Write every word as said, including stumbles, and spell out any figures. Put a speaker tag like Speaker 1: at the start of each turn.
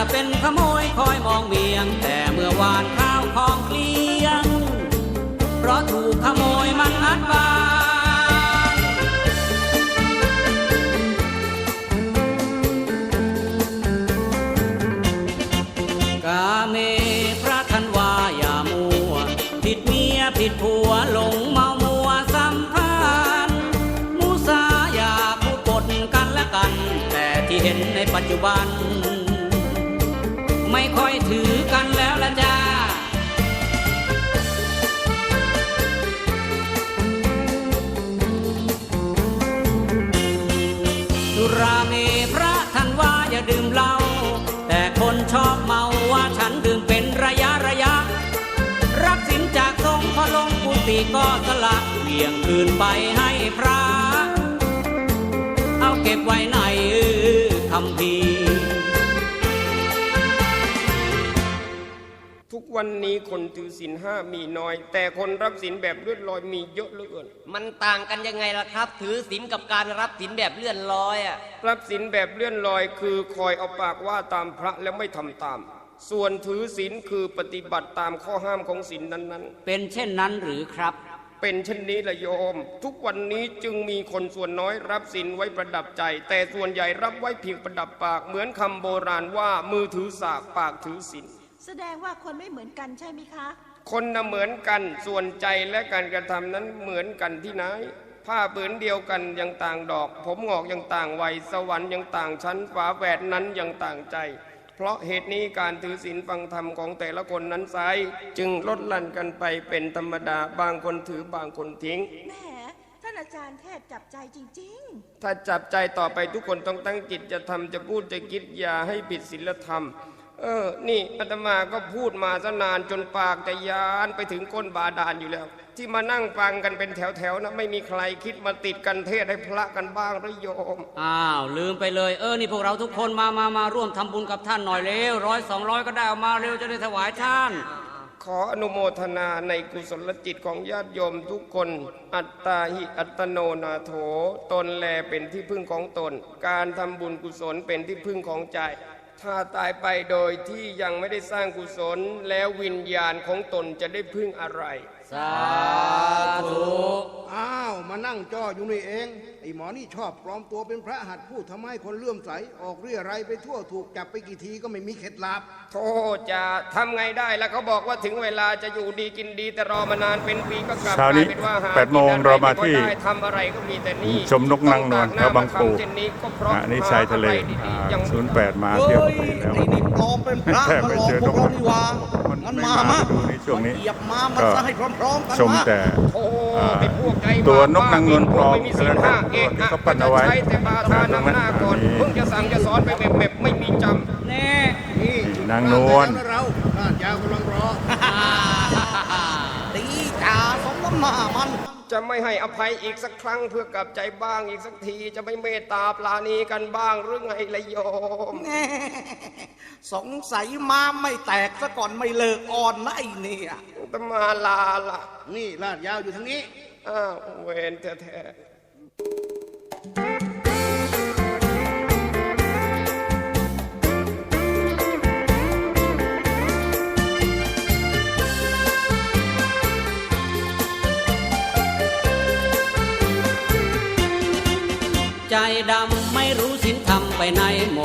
Speaker 1: จะเป็นขโมยคอยมองเมียงแต่เมื่อวานข้าวของเกลี้ยงเพราะถูกขโมยมันอัดบ้านกาเมพระท่านว่าอย่ามัวผิดเมียผิดผัวหลงเมามัวสัมพันธ์มุสาอย่าพูดปดกันและกันแต่ที่เห็นในปัจจุบันไม่ค่อยถือกันแล้วละจ้าสุราเมพระท่านว่าอย่าดื่มเหล้าแต่คนชอบเมาว่าฉันดื่มเป็นระยะระยะรับสินจากทรงพอลงกุฏิก็สละเบี่ยงคืนไปให้พระเอาเก็บไว้ในคำพี
Speaker 2: ทุกวันนี้คนถือศีลห้ามีน้อยแต่คนรับศีลแบบเลื่อนลอยมีเยอะเหลือเกิน
Speaker 3: มันต่างกันยังไงล่ะครับถือศีลกับการรับศีลแบบเลื่อนลอยอ่ะ
Speaker 2: รับศีลแบบเลื่อนลอยคือคอยเอาปากว่าตามพระแล้วไม่ทำตามส่วนถือศีลคือปฏิบัติตามข้อห้ามของศีลนั้น
Speaker 1: ๆเป็นเช่นนั้นหรือครับ
Speaker 2: เป็นเช่นนี้ละโยมทุกวันนี้จึงมีคนส่วนน้อยรับศีลไว้ประดับใจแต่ส่วนใหญ่รับไว้เพียงประดับปากเหมือนคำโบราณว่ามือถือสากปากถือศีล
Speaker 4: แสดงว่าคนไม่เหมือนกันใช่ไหมคะ
Speaker 2: คนน่ะเหมือนกันส่วนใจและการกระทำนั้นเหมือนกันที่ไหนผ้าผืนเดียวกันยังต่างดอกผมงอกยังต่างวัยสวรรค์ยังต่างชั้นฝาแฝดนั้นยังต่างใจเพราะเหตุนี้การถือศีลฟังธรรมของแต่ละคนนั้นไซจึงลดหลั่นกันไปเป็นธรรมดาบางคนถือบางคนทิ้ง
Speaker 4: แหมท่านอาจารย์เทศจับใจจริง
Speaker 2: ๆถ้าจับใจต่อไปทุกคนต้องตั้งจิตจะทำจะพูดจะคิดอย่าให้ผิดศีลธรรมเออนี่อาตมาก็พูดมาซะนานจนปากจะยานไปถึงก้นบาดาลอยู่แล้วที่มานั่งฟังกันเป็นแถวๆนะไม่มีใครคิดมาติดกันเทศให้พระกันบ้างหรือโยม
Speaker 1: อ้าวลืมไปเลยเออนี่พวกเราทุกคนมามามาร่วมทำบุญกับท่านหน่อยเร็วร้อยสองร้อยก็ได้เอามาเร็วจะได้ถวายท่าน
Speaker 2: ขออนุโมทนาในกุศลจิตของญาติโยมทุกคนอัตตาหิอัตโนนาโถตนแลเป็นที่พึ่งของตนการทำบุญกุศลเป็นที่พึ่งของใจถ้าตายไปโดยที่ยังไม่ได้สร้างกุศลแล้ววิญญาณของตนจะได้พึ่งอะไร
Speaker 1: สาธุ
Speaker 5: อ้าวมานั่งจ้ออยู่นี่เองไอ้หมอนี่ชอบปลอมตัวเป็นพระหัตถ์พูดทำให้คนเลื่อมใสออกเรี่ยไรไปทั่วถูกจับไปกี่ทีก็ไม่มีเคล็ดลับ
Speaker 2: โธ่จะทำไงได้แล้วเขาบอกว่าถึงเวลาจะอยู่ดีกินดีแต่รอมานานเป็นปีก็กลับกลายเป็นว่าหา
Speaker 6: แปดโมงเรามาที่
Speaker 2: ทำอะไรก็มีแต่นี่
Speaker 6: ชมนกนางนวลแถวบางปูนี่ชายทะเลศูนย์แปดมาเที่ยวไปแล้ว
Speaker 5: ปลอมเป็นพระมาหลอกพวกเรานี่ว่างั้นมามา
Speaker 6: ดูในช่วงนี้
Speaker 5: ก็
Speaker 6: ชมแต่ตัวนกนางนวลปลอมแล้วก็ที่เขาปั้นเอาไว้ตรงนั้น
Speaker 2: เพิ่งจะสั่งจะสอนไปเม็บๆไม่มีจำ
Speaker 1: แน่
Speaker 6: นางนวล
Speaker 5: เราลาดยาวกำลังรอตีจ่าสมน้ำหน้ามัน
Speaker 2: จะไม่ให้อภัยอีกสักครั้งเพื่อกลับใจบ้างอีกสักทีจะไม่เมตตาปราณีกันบ้างหรือไงละโยม
Speaker 5: สงสัยม้าไม่แตกซะก่อนไม่เลิกอ่อนนะไอ้เนี่ย
Speaker 2: ตมาลาล่ะ
Speaker 5: นี่ลาดยาวอยู่ทางนี้
Speaker 2: อ้าวเวรแท้
Speaker 1: ใจดำไม่รู้ศีลธรรมไปไหนหม